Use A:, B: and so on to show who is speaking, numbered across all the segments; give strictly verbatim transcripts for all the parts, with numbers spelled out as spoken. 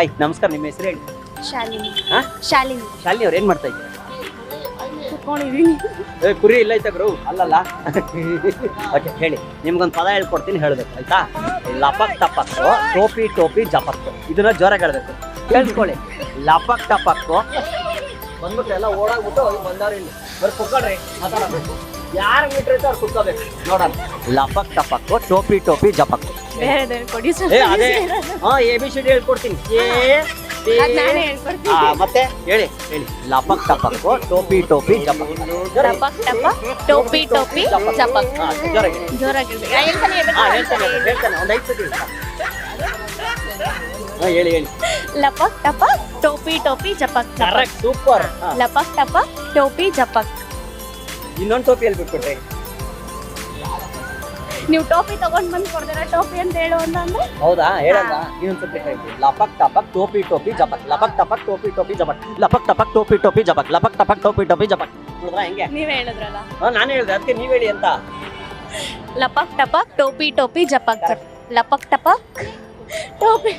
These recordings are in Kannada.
A: ಹಾಯ್ ನಮಸ್ಕಾರ, ನಿಮ್ಮ ಹೆಸರು ಹೇಳಿ.
B: ಶಾಲಿನಿ.
A: ಹಾ
B: ಶಾಲಿನಿ.
A: ಶಾಲಿನಿ ಅವ್ರು ಏನ್ ಮಾಡ್ತಾ ಇದ್ದೀರಾ?
B: ಕುತ್ಕೊಂಡಿದೀನಿ.
A: ಏ ಕುರಿ ಇಲ್ಲ ಐತೆ ಗುರು, ಅಲ್ಲಲ್ಲ. ಓಕೆ ಹೇಳಿ, ನಿಮ್ಗೊಂದು ಪದ ಹೇಳ್ಕೊಡ್ತೀನಿ, ಹೇಳ್ಬೇಕು ಆಯ್ತಾ? ಲಪಕ್ ಟಪಕ್ಕು ಟೋಪಿ ಟೋಪಿ ಜಪಕ್ಕು, ಇದನ್ನ ಜೋರಾಗಿ ಹೇಳ್ಬೇಕು, ಕೇಳಿಸ್ಕೊಳ್ಳಿ. ಲಪಕ್ ಟಪಕ್ಕು ಬಂದ್ಬಿಟ್ಟು ಎಲ್ಲ ಓಡಾಗ್ಬಿಟ್ಟು ಬಂದವ್ರು ಇಲ್ಲಿ ಬರ್ ಕುತ್ಕೊಳ್ರಿ, ಮಾತಾಡೋದು ಯಾರು ಮೀಟ್ರ್ ಐತೆ ಅವ್ರು ಕುತ್ಕೋಬೇಕು ನೋಡೋಣ. ಲಪಕ್ ಟಪಕ್ಕು ಟೋಪಿ ಟೋಪಿ ಜಪಕ್ಕು.
B: ಬೇರೆ ಕೊಡಿ
A: ಏ ಅದೇ ಹಾ ಎ ಬಿ ಸಿ ಡಿ ಹೇಳ್ಕೊಡ್ತೀನಿ. ಏ ಬಿ-
B: ನಾನೇ
A: ಆ,
B: ಹೇಳ್ಕೊಡ್ತೀನಿ.
A: ಮತ್ತೆ ಹೇಳಿ ಹೇಳಿ. ಲಪಕ್ ಟಪಕ್ಕು ಟೋಪಿ ಟೋಪಿ ಜಪಕ್.
B: ಟಪಕ್ ಟಪಕ್ ಟೋಪಿ ಟೋಪಿ ಜಪಕ್.
A: ಹಾ, ಜೋರಾಗಿ
B: ಜೋರಾಗಿ ಹೇಳ್ಬೇಕು. ಆ, ಹೇಳ್ತಾನೆ ಹೇಳ್ಬೇಕು.
A: ಹಾ ಹೇಳ್ತೇನೆ ಹೇಳ್ತೇನೆ ಒಂದು ಐದು ಸತಿ ಹೇಳ್ತಾ. ಹಾ ಹೇಳಿ ಹೇಳಿ.
B: ಲಪಕ್ ಟಪಕ್ ಟೋಪಿ ಟೋಪಿ ಜಪಕ್.
A: Correct, super.
B: ಲಪಕ್ ಟಪಕ್ ಟೋಪಿ ಜಪಕ್.
A: ಇನ್ನೊಂದು ಟೋಪಿ ಹೇಳ್ಬಿಟ್ಬಿಟ್ರಿ.
B: ನೀವು ಟೋಪಿ ತಗೊಂಡ್ ಬಂದ್ ಕೊಡ್ತೀರಾ ಟೋಪಿ ಅಂತ ಹೇಳು ಅಂತ ಅಂದ್ರೆ
A: ಹೌದಾ, ಹೇಳಲ್ಲ ಇನ್ನೊಂದ್ಸತಿ ಹೇಳ್ತೀವಿ. ಲಪಕ್ ಟಪಕ್ ಟೋಪಿ ಟೋಪಿ ಜಪಕ್. ಲಪಕ್ ಟಪಕ್ ಟೋಪಿ ಟೋಪಿ ಜಪಕ್. ಲಪಕ್ ಟಪಕ್ ಟೋಪಿ ಟೋಪಿ ಜಪಕ್. ಲಪಕ್ ಟಪಕ್ ಟೋಪಿ ಟೋಪಿ ಜಪಕ್. ನೋಡಿದ್ರಾ ಹೆಂಗೆ?
B: ನೀವೇ ಹೇಳಿದ್ರಲ್ಲ.
A: ಹಾ ನಾನು ಹೇಳಿದೆ, ಅದಕ್ಕೆ ನೀವ್ ಹೇಳಿ ಅಂತ.
B: ಲಪಕ್ ಟಪಕ್ ಟೋಪಿ ಟೋಪಿ ಜಪಕ್. ಲಪಕ್ ಟಪಕ್ ಟೋಪಿ.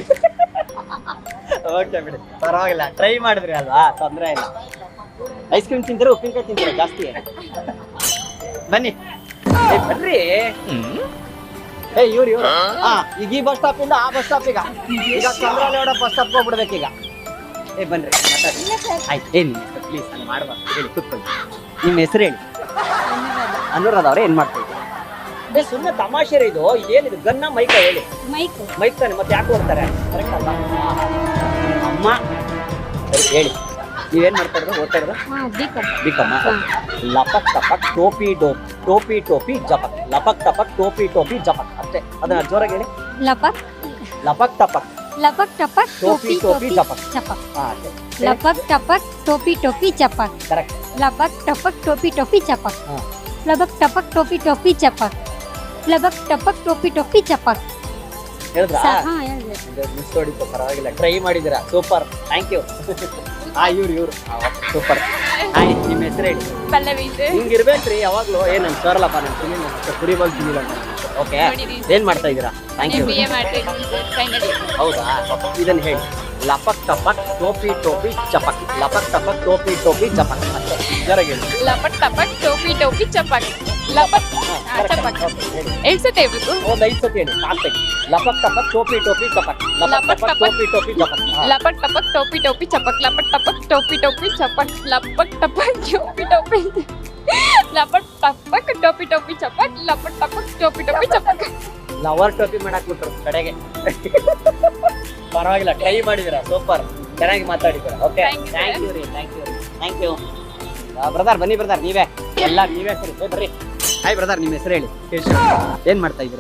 A: ಓಕೆ ಬಿಡಿ, ಪರವಾಗಿಲ್ಲ, ಟ್ರೈ ಮಾಡಿದ್ರಿ ಅಲ್ವಾ, ತೊಂದ್ರೆ ಇಲ್ಲ. ಐಸ್ ಕ್ರೀಮ್ ತಿಂತೀರಾ ಉಪ್ಪಿನಕಾಯಿ ತಿಂತೀರಾ ಜಾಸ್ತಿ? ಬನ್ನಿ ಏ, ಬರ್ರಿ. ಏ ಇವ್ರು ಇವ್ರು ಹಾ ಈಗ ಈ ಬಸ್ ಸ್ಟಾಪ್ ಇಂದ ಆ ಬಸ್ ಸ್ಟಾಪ್, ಈಗ ಈಗ ಚಂದ್ರಲೇಗೌಡ ಬಸ್ ಸ್ಟಾಪ್ ಹೋಗ್ಬಿಡ್ಬೇಕೀಗ. ಏ ಬನ್ರಿ ಮಾತಾಡಿ. ಆಯ್ತು, ಏನ್ ನಿಮ್ಮ ಹೆಸರು ಪ್ಲೀಸ್, ನಾನು ಮಾಡ್ಬಾರ್ದು ಹೇಳಿ, ಕೂತ್ಕೊಳ್ಳಿ. ನಿಮ್ಮ ಹೆಸರು ಹೇಳಿ. ಅನುರಾಧ ಅವ್ರೆ, ಏನ್ ಮಾಡ್ತಾ ಇದ್ದೀರಾ? ಏ ಸುಮ್ಮನೆ ತಮಾಷೆ ರೀ ಇದು, ಇದೇನಿದು ಗನ್ನ ಮೈಕ ಹೇಳಿ.
B: ಮೈಕ್
A: ಮೈಕ್ ತಾನೆ, ಮತ್ತೆ ಯಾಕೆ ಓಡ್ತಾರೆ? ಕರೆಕ್ಟ್ ಅಲ್ಲ ಅಮ್ಮ? ಸರಿ ಹೇಳಿ, ನೀವೇನ್ ಮಾಡ್ತಾ ಇರೋದು, ಓದ್ತಾ ಇರೋದು? ಬಿಕಮ್ಮ. ಲಪಕ್ ಟಪಕ್ ಟೋಪಿ ಡೋ ಟೋಪಿ ಟೋಪಿ ಜಪಕ್. ಲಪಕ್ ಟಪಕ್ ಟೋಪಿ ಟೋಪಿ ಜಪಕ್ ಅಷ್ಟೇ. ಅದನ್ನ ಜೋರಾಗಿ ಹೇಳಿ.
C: ಲಪಕ್
A: ಲಪಕ್ ಟಪಕ್
C: ಲಪಕ್ ಟಪಕ್
A: ಟೋಪಿ ಟೋಪಿ ಜಪಕ್.
C: ಚಪಕ್.
A: ಹಾ ಅಷ್ಟೇ.
C: ಲಪಕ್ ಟಪಕ್ ಟೋಪಿ ಟೋಪಿ ಚಪಕ್.
A: ಕರೆಕ್ಟ್.
C: ಲಪಕ್ ಟಪಕ್ ಟೋಪಿ ಟೋಪಿ ಚಪಕ್.
A: ಹಾ
C: ಲಬಕ್ ಟಪಕ್ ಟೋಪಿ ಟೋಪಿ ಚಪಕ್. ಲಬಕ್ ಟಪಕ್ ಟೋಪಿ ಟೋಪಿ ಚಪಕ್.
A: ಹೇಳಿದ್ರಾ?
C: ಸ- ಹಾ ಹೇಳಿದೆ.
A: ಮಿಸ್ ಹೊಡಿತು, ಪರವಾಗಿಲ್ಲ, ಟ್ರೈ ಮಾಡಿದ್ದೀರಾ, ಸೂಪರ್, ಥ್ಯಾಂಕ್ ಯು. ಹಾ ಇವ್ರು ಇವ್ರು ಸೂಪರ್. ಹಾಯ್ ನಿಮ್ಮ ಹೆಸರು ಹೇಳಿ.
B: ಪಲ್ಲವಿ.
A: ಹಿಂಗಿರ್ಬೇಕ್ರಿ ಯಾವಾಗ್ಲೂ. ಏನ್ ನನ್ ಸರಳಪ್ಪ, ನಾನು ತಿನ್ನಿ ಕುರಿ ಬಂದು ತಿನ್ನಿಲ್ಲ. ಓಕೆ, ಏನ್ ಮಾಡ್ತಾ ಇದ್ದೀರಾ? Thank you.
B: ಬಿ ಎ ಮಾಡ್ತೀನಿ ಫೈನಲ್ ಇಯರ್.
A: ಹೌದಾ, ಇದನ್ನ ಹೇಳಿ. ಲಪಕ್ ಟಪಕ್ ಟೋಪಿ ಟೋಪಿ ಚಪಕ್. ಲಪಕ್ ಟಪಕ್ ಟೋಪಿ ಟೋಪಿ ಚಪಕ್ ಅಷ್ಟೇ, ಜೋರಾಗಿ ಹೇಳಿ.
B: ಲಪಕ್ ಟಪಕ್ ಟೋಪಿ ಟೋಪಿ ಚಪಕ್. ಲಪಕ್
A: ಹಾ,
B: ಚಪಕ್.
A: correct. Okay, ಹೇಳಿ.
B: ಎಷ್ಟ್ ಸತಿ ಹೇಳ್ಬೇಕು?
A: ಒಂದ್ ಐದು ಸತಿ ಹೇಳಿ, ಸಾಕ್ತೇನೆ. ಲಪಕ್ ಟಪಕ್ ಟೋಪಿ ಟೋಪಿ ಚಪಕ್. ಲಪಕ್
B: ಲಪಕ್
A: ಟಪಕ್ ಟೋಪಿ ಟೋಪಿ ಚಪಕ್. ಹಾ.
B: ಲಪಕ್ ಟಪಕ್ ಟೋಪಿ ಟೋಪಿ ಚಪಕ್. ಲಪಕ್ ಟಪಕ್ ಟೋಪಿ ಟೋಪಿ ಚಪಕ್. ಲಪಕ್ ಟಪಕ್ ಟೋಪಿ ಟೋಪಿ ಲಪಕ್ ಟಪಕ್ ಟೋಪಿ ಟೋಪಿ ಚಪಕ್. ಲಪಕ್ ಟಪಕ್ ಟೋಪಿ ಟೋಪಿ ಚಪಕ್.
A: ಲವರ್ ಟೋಪಿ ಮಾಡಕ್ ಬಿಟ್ರು ಕಡೆಗೆ. ಪರವಾಗಿಲ್ಲ, ಟ್ರೈ ಮಾಡಿದಿರಾ, ಸೂಪರ್, ಚೆನ್ನಾಗಿ ಮಾತಾಡಿದ್ದೀರಾ. Okay,
B: Thank you,
A: thank you ರೀ, thank you thank you. Brother ಬನ್ನಿ, ಬ್ರದರ್ ನೀವೇ ಎಲ್ಲ ನೀವೇ ಸರಿ. ಏ, ಬರ್ರಿ. ಹಾಯ್ ಬ್ರದರ್, ನಿಮ್ಮ ಹೆಸರು ಹೇಳಿ. ಏನ್ ಮಾಡ್ತಾ ಇದ್ದೀರಾ?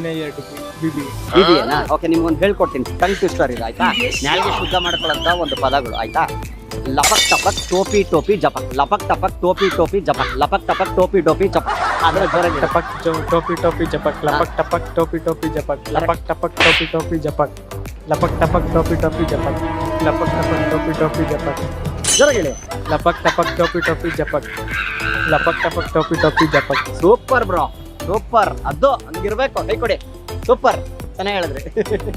A: ಇದೆಯಾ? ಓಕೆ, ನಿಮ್ಗೊಂದು ಹೇಳ್ಕೊಡ್ತೀನಿ, ಟಂಗ್ ಟ್ವಿಸ್ಟರ್ ಇದು ಆಯ್ತಾ? ನಾಲ್ಗೆ ಶುದ್ಧ ಮಾಡ್ಕೊಳ್ಳೋಂತ ಒಂದು ಪದಗಳು ಆಯ್ತಾ? ಲಪಕ್ ಟಪಕ್ ಟೋಪಿ ಟೋಪಿ ಜಪಕ್. ಲಪಕ್ ಟಪಕ್ ಟೋಪಿ ಟೋಪಿ ಜಪಕ್. ಲಪಕ್ ಟಪಕ್ ಟೋಪಿ ಟೋಪಿ ಜಪಕ್. ಅದರ ಜೋರಾಗಿ ಹೇಳಿ.
D: टपक जो टोपी टोपी जपक. लपक टपक टोपी टोपी जपक. लपक टपक टोपी टोपी जपक. लपक टपक टोपी टोपी जपक. लपक टपक टोपी टोपी जपक.
A: ಜೋರಾಗಿ ಹೇಳಿ.
D: लपक टपक टोपी टोपी जपक. लपक टपक टोपी टोपी जपक.
A: Super bro, super. ಅದು ಹಂಗಿರ್ಬೇಕು, ಕೈ ಕೊಡಿ. ಸೂಪರ್, ಚೆನ್ನಾಗಿ ಹೇಳಿದ್ರಿ.